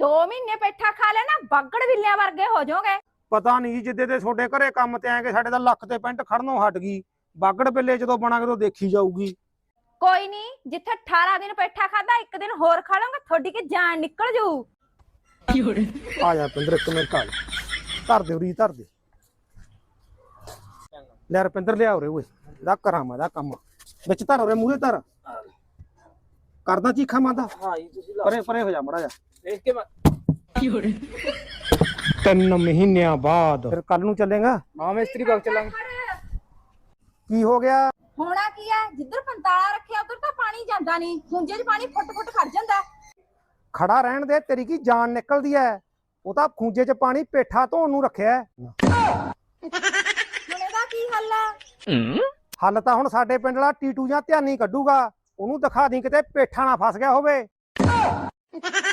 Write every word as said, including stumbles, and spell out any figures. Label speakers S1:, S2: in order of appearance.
S1: दो महीने पेठा खा लेना बागड़ बिल्लियां वर्गे हो जाओगे।
S2: ਪਤਾ ਨਹੀਂ ਜਿੱਦੇ ਤੇ ਤੁਹਾਡੇ ਘਰੇ ਕੰਮ ਤੇ ਆਏਗੇ ਸਾਡੇ ਤਾਂ ਲੱਖ ਤੇ ਪੈਂਟ ਖੜਨੋਂ ਹਟ ਗਈ। ਬਾਗੜ ਬਿੱਲੇ ਜਦੋਂ ਬਣਾਂਗੇ ਤਾਂ ਦੇਖੀ ਜਾਊਗੀ।
S1: कोई नहीं, जिथे अठारह दिन पेठा खाता एक दिन होर खा लूंगा थोड़ी की जान निकल जाऊ।
S2: ਆ ਜਾ ਰਪਿੰਦਰ ਇੱਕ ਮਿੰਟ ਆ ਜਾ, ਧਰ ਦੇ ਉਰੀ ਧਰ ਦੇ। ਲੈ ਰਪਿੰਦਰ ਲਿਆ ਉਰੇ ਓਏ, ਇਹਦਾ ਕਰਾਂ ਮੈਂ ਇਹਦਾ ਕੰਮ ਵਿੱਚ ਧਰ ਉਰੇ ਮੂਹਰੇ ਧਰ। ਕਰਦਾ ਚੀਖਾ ਮਾਦਾ।
S3: ਹਾਂ ਜੀ ਤੁਸੀਂ ਲਾ
S2: ਪਰੇ ਪਰੇ ਹੋ ਜਾ ਮੜਾ ਜਾ।
S3: ਦੇਖ ਕੇ ਮੈਂ
S2: ਤਿੰਨ ਮਹੀਨਿਆਂ ਬਾਅਦ ਫਿਰ ਕੱਲ ਨੂੰ ਚੱਲੇਗਾ।
S3: ਮਾਂ ਮਿਸਤਰੀ ਬਾਗ ਚੱਲਾਂਗੇ।
S2: ਕੀ ਹੋ ਗਿਆ?
S1: होना की है, जिधर पंताला रखे उधर तो पानी जाता नहीं, खूंजे च पानी फुट फुट खड़ जाता।
S2: ਖੜਾ ਰਹਿਣ ਦੇ, ਤੇਰੀ ਕੀ ਜਾਨ ਨਿਕਲਦੀ ਐ। ਉਹ ਤਾਂ ਖੂੰਜੇ 'ਚ ਪਾਣੀ ਪੇਠਾ ਧੋਣ ਨੂੰ ਰੱਖਿਆ।
S1: ਹੁਣ ਇਹਦਾ ਕੀ ਹੱਲ ਹੈ?
S2: ਹੱਲ ਤਾਂ ਹੁਣ ਸਾਡੇ ਪਿੰਡ ਵਾਲਾ ਟੀਟੂ ਜਾਂ ਧਿਆਨੀ ਕੱਢੂਗਾ। ਉਹਨੂੰ ਦਿਖਾ ਦੀ ਕਿਤੇ ਪੇਠਾ ਨਾ ਫਸ ਗਿਆ ਹੋਵੇ।